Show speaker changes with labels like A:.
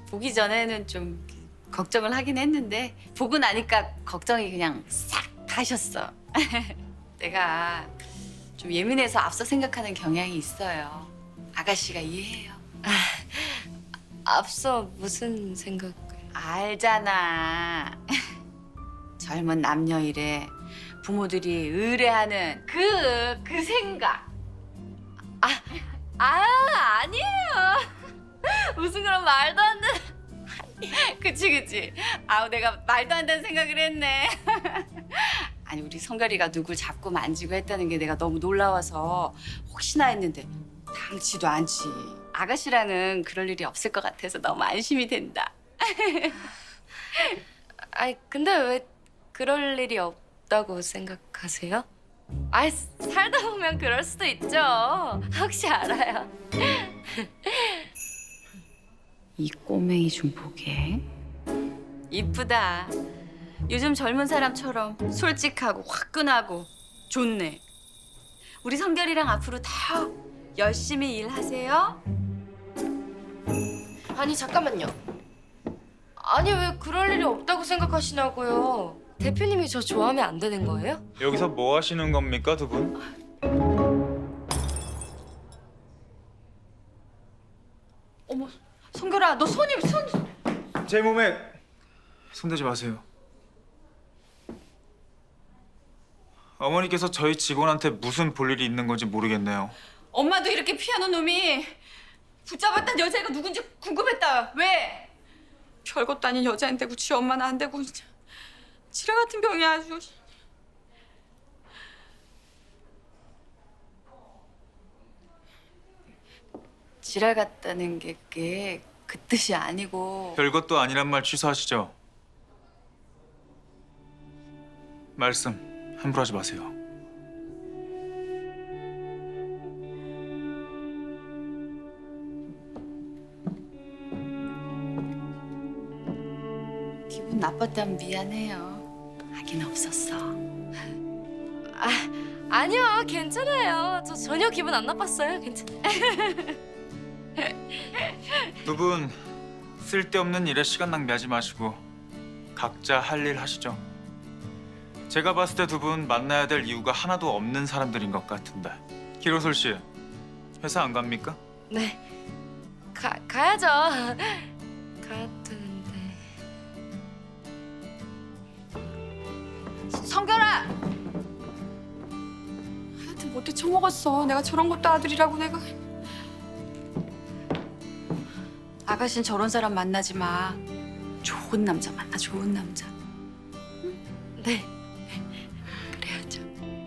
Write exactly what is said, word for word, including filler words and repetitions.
A: 보기 전에는 좀 걱정을 하긴 했는데 보고 나니까 걱정이 그냥 싹 가셨어. 내가 좀 예민해서 앞서 생각하는 경향이 있어요. 아가씨가 이해해요.
B: 앞서 무슨 생각?
A: 알잖아. 젊은 남녀 일에 부모들이 의뢰하는 그, 그 생각.
B: 아, 아 아니에요. 무슨 그런 말도 안 되는.
A: 그치, 그치. 아우, 내가 말도 안 되는 생각을 했네. 아니, 우리 성별이가 누굴 잡고 만지고 했다는 게 내가 너무 놀라워서 혹시나 했는데 당치도 않지. 아가씨랑은 그럴 일이 없을 것 같아서 너무 안심이 된다.
B: 아니 근데 왜 그럴 일이 없다고 생각하세요? 아 살다 보면 그럴 수도 있죠. 혹시 알아요?
A: 이 꼬맹이 좀 보게. 이쁘다. 요즘 젊은 사람처럼 솔직하고 화끈하고 좋네. 우리 성결이랑 앞으로 더 열심히 일하세요.
B: 아니 잠깐만요. 아니 왜 그럴 일이 없다고 생각하시냐고요. 대표님이 저 좋아하면 안 되는 거예요?
C: 여기서 뭐 하시는 겁니까, 두 분?
A: 어머, 성결아, 너 손이 손...
C: 제 몸에 손대지 마세요. 어머니께서 저희 직원한테 무슨 볼일이 있는 건지 모르겠네요.
A: 엄마도 이렇게 피하는 놈이 붙잡았던 여자애가 누군지 궁금했다. 왜? 별것도 아닌 여자인데고 지 엄마는 안 되고 진짜 지뢰 같은 병이 아주. 지랄 같다는 게 그게 그 뜻이 아니고.
C: 별것도 아니란 말 취소하시죠. 말씀 함부로 하지 마세요.
A: 기분 나빴다면 미안해요. 하긴 없었어.
B: 아 아니요 괜찮아요. 저 전혀 기분 안 나빴어요. 괜찮.
C: 두 분 쓸데없는 일에 시간 낭비하지 마시고 각자 할 일 하시죠. 제가 봤을 때 두 분 만나야 될 이유가 하나도 없는 사람들인 것 같은데. 기로솔 씨, 회사 안 갑니까?
B: 네. 가 가야죠. 가야 되는데.
A: 성결아! 하여튼 못돼 처먹었어. 내가 저런 것도 아들이라고 내가. 아가씨는 저런 사람 만나지 마. 좋은 남자 만나, 좋은 남자.
B: 네.